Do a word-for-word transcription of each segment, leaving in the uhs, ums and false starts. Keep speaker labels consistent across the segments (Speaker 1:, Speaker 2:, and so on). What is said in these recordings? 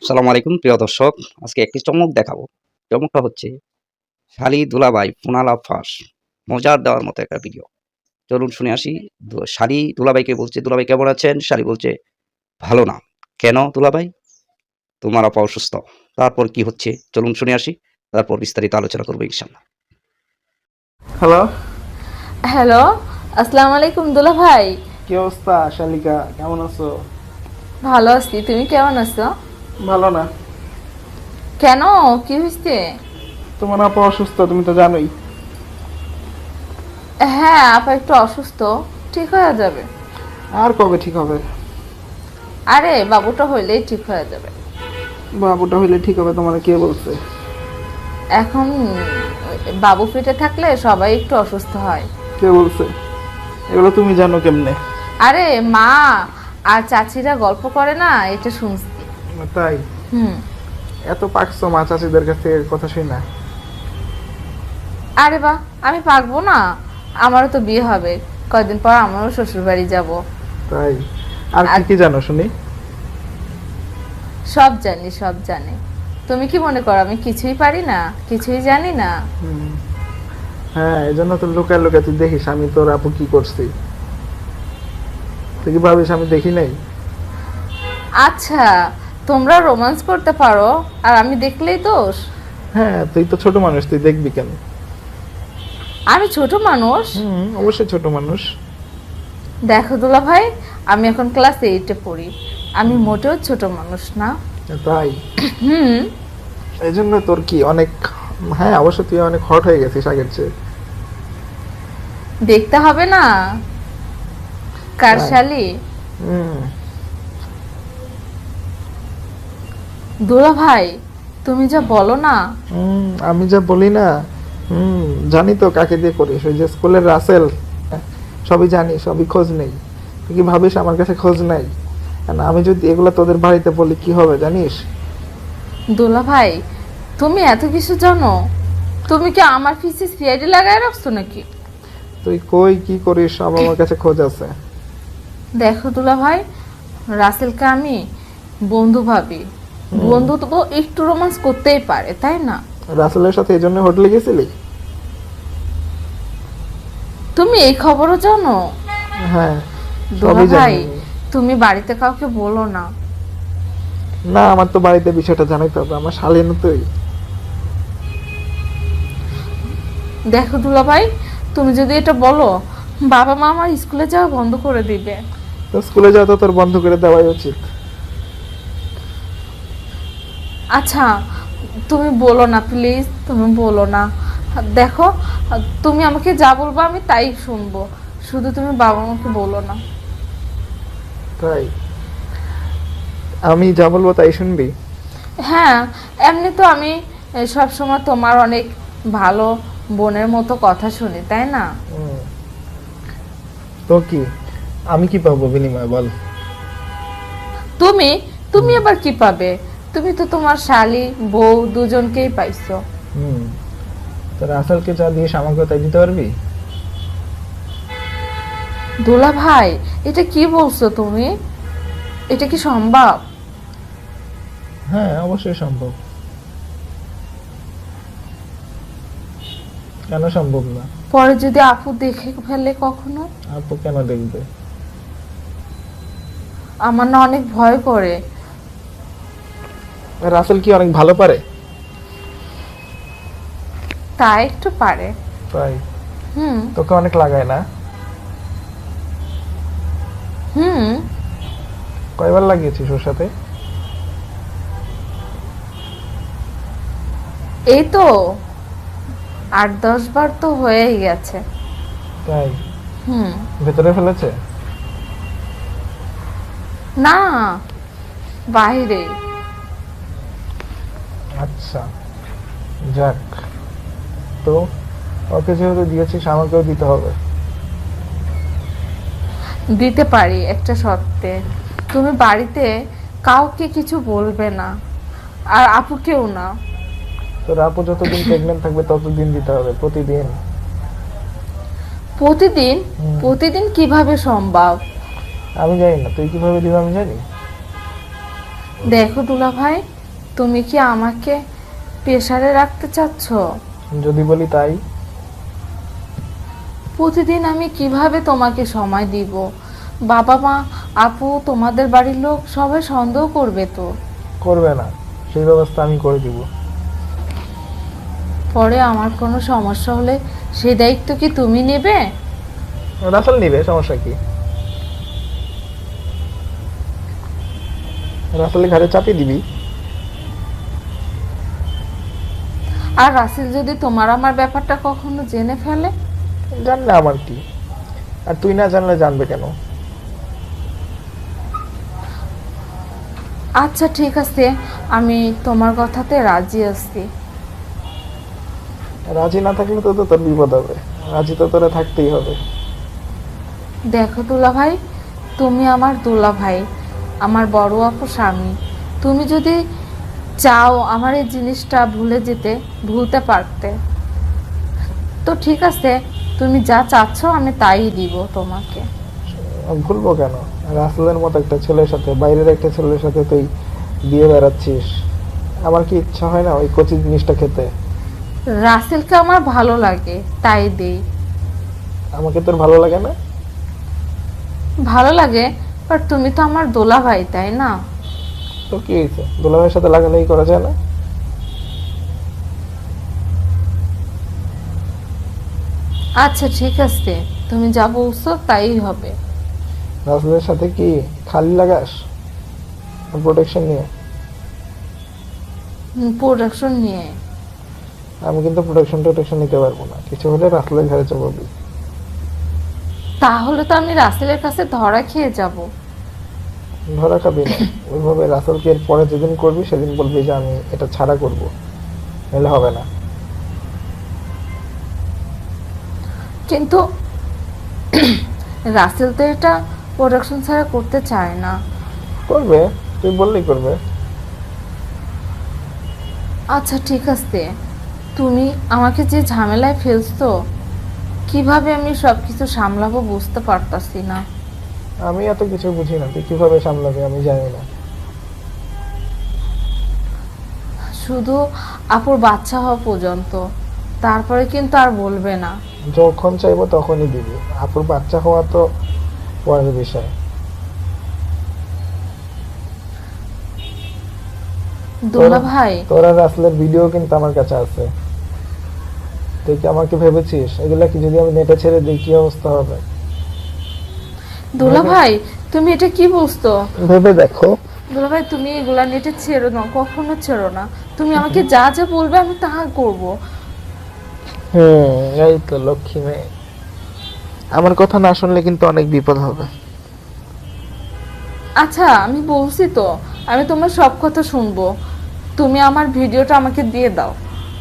Speaker 1: আসসালামু আলাইকুম প্রিয় দর্শক। আজকে একটি চমক দেখাবো। চমকটা হচ্ছে শালি দুলাভাই ফোনালাপ ফাঁস। মজার দেওয়ার মতো একটা ভিডিও। চলুন শুনে আসি। দু শালি দুলাভাইকে বলছে, "দুলাভাই কেমন আছেন?" শালি বলছে, "ভালো না।" "কেন দুলাভাই?" "তোমার আপা অসুস্থ।" তারপর কি হচ্ছে চলুন শুনে আসি। তারপর বিস্তারিত আলোচনা করব ইনশাআল্লাহ।
Speaker 2: হ্যালো,
Speaker 3: হ্যালো, আসসালামু আলাইকুম দুলা ভাই।
Speaker 2: কি অবস্থা শালিকা? কেমন আছো?
Speaker 3: ভালো আছি, তুমি কেমন আছো?
Speaker 2: ভালো না।
Speaker 3: কেন, কি হয়েছে?
Speaker 2: তোমার আপা অসুস্থ, তুমি তো জানোই।
Speaker 3: হ্যাঁ, আপা একটু অসুস্থ, ঠিক হয়ে যাবে।
Speaker 2: আর কবে ঠিক হবে?
Speaker 3: আরে বাবুটা হইলেই ঠিক হয়ে যাবে।
Speaker 2: বাবুটা হইলে ঠিক হবে তোমার কে বলছে?
Speaker 3: এখন বাবু পেটে থাকলে সবাই একটু অসুস্থ হয়।
Speaker 2: কে বলছে এগুলো? তুমি জানো কেমনে?
Speaker 3: আরে মা আর চাচিরা গল্প করে না, এটা শুনছি।
Speaker 2: তাই?
Speaker 3: হুম।
Speaker 2: এত পাকছো মা চাচিদের কাছ থেকে কথা শুই না?
Speaker 3: আরে বাহ, আমি পাকবো না? আমারও তো বিয়ে হবে কয়দিন পর, আমারও শ্বশুর বাড়ি যাবো।
Speaker 2: তাই? আর কি
Speaker 3: আর
Speaker 2: কি জানো শুনি?
Speaker 3: সব জানি, সব জানি। তুমি কি মনে করো আমি কিছুই পারি না, কিছুই জানি না?
Speaker 2: হুম, হ্যাঁ, এই জন্য তো লুকায় লুকায় তুই দেখিস আমি তোর আপু কি করছি। তুই কি ভাবিস আমি দেখি নাই?
Speaker 3: আচ্ছা, তোমরা রোমান্স করতে পারো আর আমি দেখলেই দোষ?
Speaker 2: হ্যাঁ, তুই তো ছোট মানুষ, তুই দেখবি কেন?
Speaker 3: আমি ছোট মানুষ?
Speaker 2: হুম, অবশ্যই ছোট মানুষ।
Speaker 3: দেখো দুলা ভাই, আমি এখন ক্লাস এইটে পড়ি, আমি মোটেও ছোট মানুষ না।
Speaker 2: তাই?
Speaker 3: হুম।
Speaker 2: এই জন্য তোর কি অনেক, হ্যাঁ অবশ্য তুই অনেক হট হয়ে গেছিস আগের চেয়ে।
Speaker 3: দেখতে হবে না কার
Speaker 2: তাই?
Speaker 3: শালি?
Speaker 2: হুম।
Speaker 3: দুলা ভাই, তুমি যা বলো না।
Speaker 2: হুম, আমি যা বলি না। হুম, জানি তো কাকে দিয়ে করিস, ওই যে স্কুলের রাসেল। সবই জানি, সবই খোঁজ নেই। তুই কি ভাবিস আমার কাছে খোঁজ নাই? আর আমি যদি এগুলো তোদের বাড়িতে বলি কি হবে জানিস?
Speaker 3: দুলা ভাই, তুমি এত কিছু জানো? তুমি কি আমার পিছে সিআইডি লাগায় রাখছো নাকি?
Speaker 2: তুই কই কি করিস সব আমার কাছে খোঁজ আছে।
Speaker 3: দেখো দুলা ভাই, রাসেলকে আমি বন্ধু ভাবি। বন্ধু তো একটু রোমান্স করতেই পারে, তাই না?
Speaker 2: রাসেলের সাথে এই জন্য হোটেলে গেছিলি?
Speaker 3: তুমি এই খবরও জানো?
Speaker 2: হ্যাঁ,
Speaker 3: দুলা
Speaker 2: সবই
Speaker 3: ভাই,
Speaker 2: জানি।
Speaker 3: তুমি বাড়িতে কাউকে বলো না।
Speaker 2: না, আমার তো বাড়িতে বিষয়টা জানাইতে হবে, আমার শালীন তুই।
Speaker 3: দেখো দুলা ভাই, তুমি যদি এটা বলো, বাবা মা আমার স্কুলে যাওয়া বন্ধ করে দিবে।
Speaker 2: তো স্কুলে যাওয়া তো তোর বন্ধ করে দেওয়াই উচিত।
Speaker 3: আচ্ছা, তুমি বলো না প্লিজ, তুমি বলো না। দেখো, তুমি আমাকে যা বলবো আমি তাই শুনবো, শুধু তুমি বাবা মাকে বলো না।
Speaker 2: তাই? আমি যা বলবো তাই শুনবি?
Speaker 3: হ্যাঁ, এমনি তো আমি সব সময় তোমার অনেক ভালো বোনের মতো কথা শুনি, তাই না?
Speaker 2: হুম, তো কি আমি কি পাবো বিনিময়ে বল?
Speaker 3: তুমি তুমি আবার কি পাবে? তুমি তো তোমার শালি বউ দুজনকেই পাইছো।
Speaker 2: হুম, তো রাসেলকে যা দিস আমাকেও তাই দিতে পারবি?
Speaker 3: দুলা ভাই, এটা কি বলছো তুমি? এটা কি সম্ভব?
Speaker 2: হ্যাঁ, অবশ্যই সম্ভব। কেন সম্ভব না?
Speaker 3: পরে যদি আপু দেখে ফেলে কখনো?
Speaker 2: আপু কেন দেখবে?
Speaker 3: আমার না অনেক ভয় করে।
Speaker 2: রাসেল কি অনেক ভালো পারে?
Speaker 3: তা একটু পারে।
Speaker 2: তাই?
Speaker 3: হুম।
Speaker 2: তোকে অনেক লাগায় না?
Speaker 3: হুম।
Speaker 2: কয়বার লাগিয়েছিস ওর সাথে?
Speaker 3: এই তো আট দশ বার তো হয়েই গেছে।
Speaker 2: তাই?
Speaker 3: হুম।
Speaker 2: ভেতরে ফেলেছে?
Speaker 3: না, বাইরে।
Speaker 2: আচ্ছা, যাক। তো ওকে যেহেতু দিয়েছিস আমাকেও দিতে হবে।
Speaker 3: দিতে পারি একটা শর্তে, তুমি বাড়িতে কাউকে কিছু বলবে না, আর আপুকেও না।
Speaker 2: তোর আপু যতদিন প্রেগনেন্ট থাকবে ততদিন দিতে হবে, প্রতিদিন।
Speaker 3: প্রতিদিন?
Speaker 2: হুম।
Speaker 3: প্রতিদিন কিভাবে সম্ভব?
Speaker 2: আমি জানি না, তুই কিভাবে দিবি আমি জানি।
Speaker 3: দেখো দুলা ভাই, তুমি কি আমাকে প্রেসারে রাখতে চাচ্ছ?
Speaker 2: যদি বলি তাই।
Speaker 3: প্রতিদিন আমি কিভাবে তোমাকে সময় দিব? বাবা মা, আপু, তোমাদের বাড়ির লোক সবাই সন্দেহ করবে তো।
Speaker 2: করবে না, সেই ব্যবস্থা আমি করে দিব।
Speaker 3: পরে আমার কোনো সমস্যা হলে সেই দায়িত্ব কি তুমি নেবে?
Speaker 2: রাসেল নিবে, সমস্যা কি? রাসেলের ঘাড়ে চাপিয়ে দিবি।
Speaker 3: আর রাসেল যদি তোমার আমার ব্যাপারটা কখনো জেনে ফেলে?
Speaker 2: জানলে আমার কি, আর তুই না জানলে জানবে কেন?
Speaker 3: আচ্ছা ঠিক আছে, আমি তোমার কথাতে রাজি আছি।
Speaker 2: রাজি না থাকলে তো তো তোর বিপদ হবে, রাজি তো তোরা থাকতেই হবে।
Speaker 3: দেখো দুলা ভাই, তুমি আমার দুলা ভাই, আমার বড় আপু স্বামী। তুমি যদি চাও আমার এই জিনিসটা ভুলে যেতে, ভুলতে পারতে। তো ঠিক আছে, তুমি যা চাচ্ছ আমি তাই দিব তোমাকে।
Speaker 2: ভুলবো কেন? রাসেলের মতো একটা ছেলের সাথে, বাইরের একটা ছেলের সাথে তুই দিয়ে বেড়াচ্ছিস, আমার কি ইচ্ছা হয় না ওই কচি জিনিসটা খেতে?
Speaker 3: রাসেলকে আমার ভালো লাগে তাই দেই।
Speaker 2: আমাকে তোর ভালো লাগে না?
Speaker 3: ভালো লাগে, বাট তুমি তো আমার দোলা ভাই, তাই না?
Speaker 2: তো কি হয়েছে, দুলাভাইয়ের সাথে লাগালাগি করা যায় না?
Speaker 3: আচ্ছা ঠিক আছে, তুমি যা বলছো তাই হবে।
Speaker 2: রাসেলের সাথে কি খালি লাগাস প্রোটেকশন নিয়ে?
Speaker 3: প্রোডাকশন নিয়ে?
Speaker 2: আমি কিন্তু প্রোটেকশন টোটেকশন নিতে পারবো না, কিছু হলে রাসেলের ঘরে চাপাবি।
Speaker 3: তাহলে তো আমি রাসেলের কাছে ধরা খেয়ে যাব।
Speaker 2: ধরা খাবি না, ওইভাবে রাসেলকে এর পরে যেদিন করবি সেদিন বলবি যে আমি এটা ছাড়া করব, নাহলে হবে না।
Speaker 3: কিন্তু রাসেল তো এটা প্রোডাকশন ছাড়া করতে চায় না।
Speaker 2: করবে, তুই বললেই করবে।
Speaker 3: আচ্ছা ঠিক আছে, তুমি আমাকে যে ঝামেলায় ফেলছো, কিভাবে আমি সব কিছু সামলাবো বুঝতে পারতাছি না।
Speaker 2: আমি এত কিছু বুঝি না, তুই কিভাবে সামলাবি আমি জানি না।
Speaker 3: শুধু আপুর বাচ্চা হওয়া পর্যন্ত, তারপরে কিন্তু আর বলবে না।
Speaker 2: যখন চাইবো তখনই দিবি, আপুর বাচ্চা হওয়া তো পরের বিষয়।
Speaker 3: দুলা ভাই,
Speaker 2: তোরা রাসেলের ভিডিও কিন্তু আমার কাছে আছে, তুই কি আমাকে ভেবেছিস এগুলা কি যদি আমি নেটে ছেড়ে দিই কি অবস্থা হবে?
Speaker 3: দুলা ভাই, তুমি এটা কি বলছো?
Speaker 2: ভেবে দেখো।
Speaker 3: দুলা ভাই, তুমি এগুলা নেটে ছেড়ো না, কখনো ছেড়ো না। তুমি আমাকে যা যা বলবে আমি তাহা করব।
Speaker 2: হুম, এই তো লক্ষ্মী মেয়ে। আমার কথা না শুনলে কিন্তু অনেক বিপদ হবে।
Speaker 3: আচ্ছা আমি বলছি তো, আমি তোমার সব কথা শুনবো। তুমি আমার ভিডিওটা আমাকে দিয়ে দাও।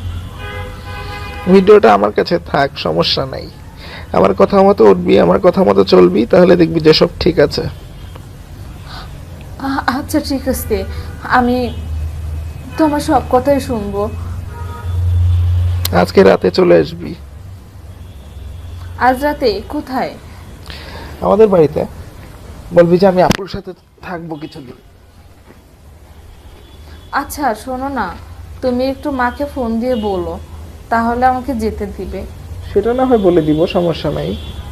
Speaker 2: ভিডিওটা আমার কাছে থাক, সমস্যা নাই। আমার কথা মতো উঠবি, আমার কথা মতো চলবি, তাহলে দেখবি যে সব ঠিক আছে।
Speaker 3: আ- আচ্ছা ঠিক আছে, আমি তোমার সব কথাই শুনবো।
Speaker 2: আজকে রাতে চলে আসবি
Speaker 3: আজ রাতে কোথায়?
Speaker 2: আমাদের বাড়িতে, বলবি যে আমি আপুর সাথে থাকবো কিছুদিন।
Speaker 3: আচ্ছা শোনো না, তুমি একটু মাকে ফোন দিয়ে বলো, তাহলে আমাকে যেতে দিবে।
Speaker 2: সেটা না হয় বলে দিব, সমস্যা নাই,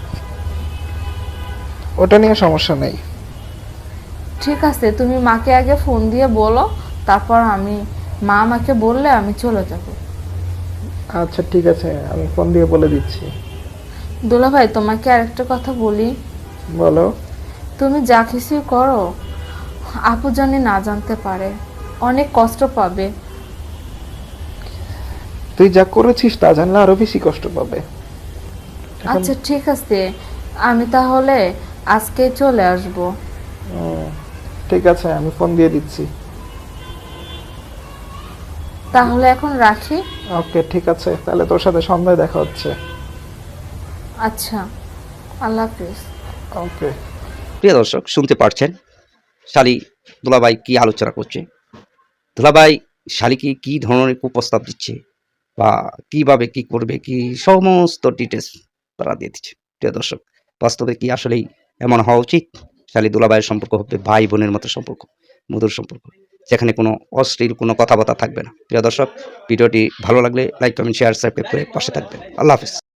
Speaker 2: ওটা নিয়ে সমস্যা নাই।
Speaker 3: ঠিক আছে, তুমি মাকে আগে ফোন দিয়ে বলো, তারপর আমি, মা আমাকে বললে আমি চলে যাব।
Speaker 2: আচ্ছা ঠিক আছে, আমি ফোন দিয়ে বলে দিচ্ছি।
Speaker 3: দুলা ভাই, তোমাকে আরেকটা কথা বলি।
Speaker 2: বলো।
Speaker 3: তুমি যা কিছুই করো, আপু জানি না জানতে পারে, অনেক কষ্ট পাবে।
Speaker 2: তুই যা করেছিস তা জানলে আরো বেশি কষ্ট পাবে। এখন-
Speaker 3: আচ্ছা ঠিক আছে, আমি তাহলে আজকে চলে আসব।
Speaker 2: হুম, ঠিক আছে, আমি ফোন দিয়ে দিচ্ছি।
Speaker 3: তাহলে এখন রাখি।
Speaker 2: ওকে ঠিক আছে, তাহলে তোর সাথে সন্ধ্যায় দেখা হচ্ছে।
Speaker 3: আচ্ছা, আল্লাহ হাফিজ।
Speaker 2: ওকে।
Speaker 1: প্রিয় দর্শক, শুনতে পারছেন শালি দুলাভাই কি আলোচনা করছে। দুলাভাই শালিকে কি ধরনের কুপ্রস্তাব দিচ্ছে বা কিভাবে কি করবে, কি সমস্ত ডিটেলস তারা দিয়ে দিচ্ছে। প্রিয় দর্শক, বাস্তবে কি আসলেই এমন হওয়া উচিত? শালি দুলাভাইয়ের সম্পর্ক হবে ভাই বোনের মতো সম্পর্ক, মধুর সম্পর্ক। যেখানে কোনো অশ্লীল কোনো কথাবার্তা থাকবে না। প্রিয় দর্শক, ভিডিওটি ভালো লাগলে লাইক কমেন্ট শেয়ার সাবস্ক্রাইব করে পাশে থাকবেন। আল্লাহ হাফিজ।